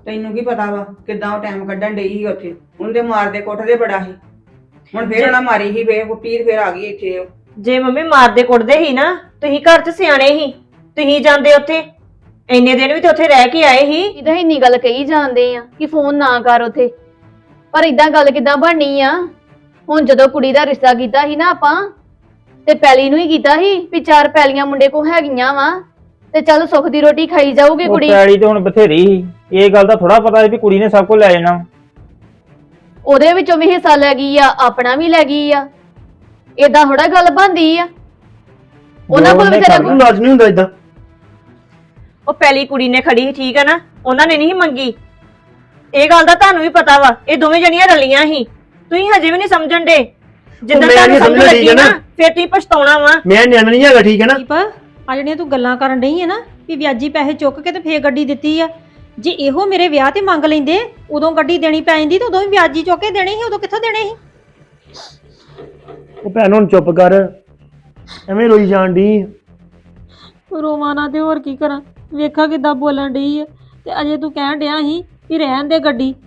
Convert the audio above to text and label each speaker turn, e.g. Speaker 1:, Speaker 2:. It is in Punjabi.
Speaker 1: ਤੈਨੂੰ ਕੀ ਪਤਾ ਵਾ ਕਿਦਾਂ ਉਹ ਟਾਈਮ ਕੱਢਣ ਡਈ ਸੀ ਉੱਥੇ ਉਹਦੇ ਮਾਰਦੇ ਕੁੱਟਦੇ ਬੜਾ ਸੀ। ਹੁਣ ਫੇਰ ਉਹਨਾਂ ਮਾਰੀ ਸੀ ਫੇਰ ਕੁੱਟੀ ਤੇ ਫੇਰ ਆ ਗਈ ਇੱਥੇ ਉਹ।
Speaker 2: ਜੇ ਮੰਮੀ ਮਾਰਦੇ ਕੁੱਟਦੇ ਹੀ ਨਾ, ਤੁਸੀਂ ਘਰ 'ਚ ਸਿਆਣੇ ਹੀ, ਤੁਸੀਂ ਜਾਂਦੇ ਉੱਥੇ ਇੰਨੇ ਦਿਨ ਵੀ ਤੇ ਉੱਥੇ ਰਹਿ ਕੇ ਆਏ ਹੀ।
Speaker 3: ਇਹਦਾ ਇੰਨੀ ਗੱਲ ਕਹੀ ਜਾਂਦੇ ਆ ਕਿ ਫੋਨ ਨਾ ਕਰ ਉਥੇ, ਪਰ ਇਦਾਂ ਗੱਲ ਕਿਦਾਂ ਬਣਨੀ ਆ। ਹੁਣ ਜਦੋਂ ਕੁੜੀ ਦਾ ਰਿਸ਼ਤਾ ਕੀਤਾ ਸੀ ਨਾ ਆਪਾਂ, ਤੇ ਪੈਲੀ ਨੂੰ ਹੀ ਕੀਤਾ ਸੀ ਵੀ 4 ਪੈਲੀਆਂ ਮੁੰਡੇ ਕੋ ਹੈਗੀਆਂ ਵਾ ਤੇ ਚੱਲ ਸੁੱਖ ਦੀ ਰੋਟੀ ਖਾਈ ਜਾਊਗੀ ਕੁੜੀ।
Speaker 4: ਪੈਲੀ ਤੇ ਹੁਣ ਬਥੇਰੀ ਸੀ, ਇਹ ਗੱਲ ਦਾ ਥੋੜਾ ਪਤਾ ਸੀ ਵੀ ਕੁੜੀ ਨੇ ਸਭ ਕੁਝ ਲੈ ਜਾਣਾ।
Speaker 3: ਉਹਦੇ ਵਿੱਚੋਂ ਵੀ ਹਿੱਸਾ ਲੈ ਗਈ ਆ, ਆਪਣਾ ਵੀ ਲੈ ਗਈ ਆ। ਏਦਾਂ ਥੋੜਾ ਗੱਲ ਬਣਦੀ ਆ। ਉਹਨਾਂ ਕੋਲ ਵਿਚਾਰਾ
Speaker 5: ਨੂੰ ਲਾਜ ਨਹੀਂ ਹੁੰਦਾ ਇਦਾਂ।
Speaker 2: ਉਹ ਪਹਿਲੀ ਕੁੜੀ ਨੇ ਖੜੀ ਸੀ, ਠੀਕ ਹੈ ਨਾ, ਉਹਨਾਂ ਨੇ ਨਹੀਂ ਮੰਗੀ। ਇਹ ਗੱਲ ਦਾ ਤੁਹਾਨੂੰ ਵੀ ਪਤਾ ਵਾ, ਇਹ ਦੋਵੇਂ ਜਣੀਆਂ ਰਲੀਆਂ ਸੀ। ਤੁਸੀਂ ਹਜੇ ਵੀ ਨਹੀਂ ਸਮਝਣ ਦੇ। ਜਿੱਦਾਂ ਤੁਹਾਨੂੰ ਸਮਝ ਲੱਗੀ ਨਾ ਫਿਰ ਤੁਸੀਂ ਪਛਤਾਉਣਾ ਵਾ।
Speaker 5: ਮੈਂ ਨਿਆਣਾ ਨਹੀਂ ਹੈਗਾ, ਠੀਕ ਹੈ ਨਾ।
Speaker 6: ਦੀਪ ਆ ਜਿਹੜੀਆਂ ਤੂੰ ਗੱਲਾਂ ਕਰਨ ਡਈ ਹੈ ਨਾ ਵੀ ਵਿਆਜੀ ਪੈਸੇ ਚੁੱਕ ਕੇ ਤੇ ਫੇਰ ਗੱਡੀ ਦਿੱਤੀ ਆ, ਜੇ ਇਹੋ ਮੇਰੇ ਵਿਆਹ ਤੇ ਮੰਗ ਲੈਂਦੇ ਉਦੋਂ ਗੱਡੀ ਦੇਣੀ ਪੈ ਜਾਂਦੀ ਤੇ ਉਦੋਂ ਵੀ ਵਿਆਜੀ ਚੁੱਕ ਕੇ ਦੇਣੀ ਸੀ, ਉਦੋਂ ਕਿੱਥੋਂ ਦੇਣੇ ਸੀ?
Speaker 5: ਉਹ ਭੈਣ ਹੁਣ ਚੁੱਪ ਕਰ, ਐਵੇਂ ਰੋਈ ਜਾਣ ਡਈ।
Speaker 6: ਰੋਵਾਂ ਨਾ ਤੇ ਹੋਰ ਕੀ ਕਰਾਂ, ਵੇਖਾ ਕਿੱਦਾਂ ਬੋਲਣ ਡਈ ਆ। ਤੇ ਅਜੇ ਤੂੰ ਕਹਿਣ ਡਿਆ ਸੀ ਵੀ ਰਹਿਣ ਦੇ ਗੱਡੀ,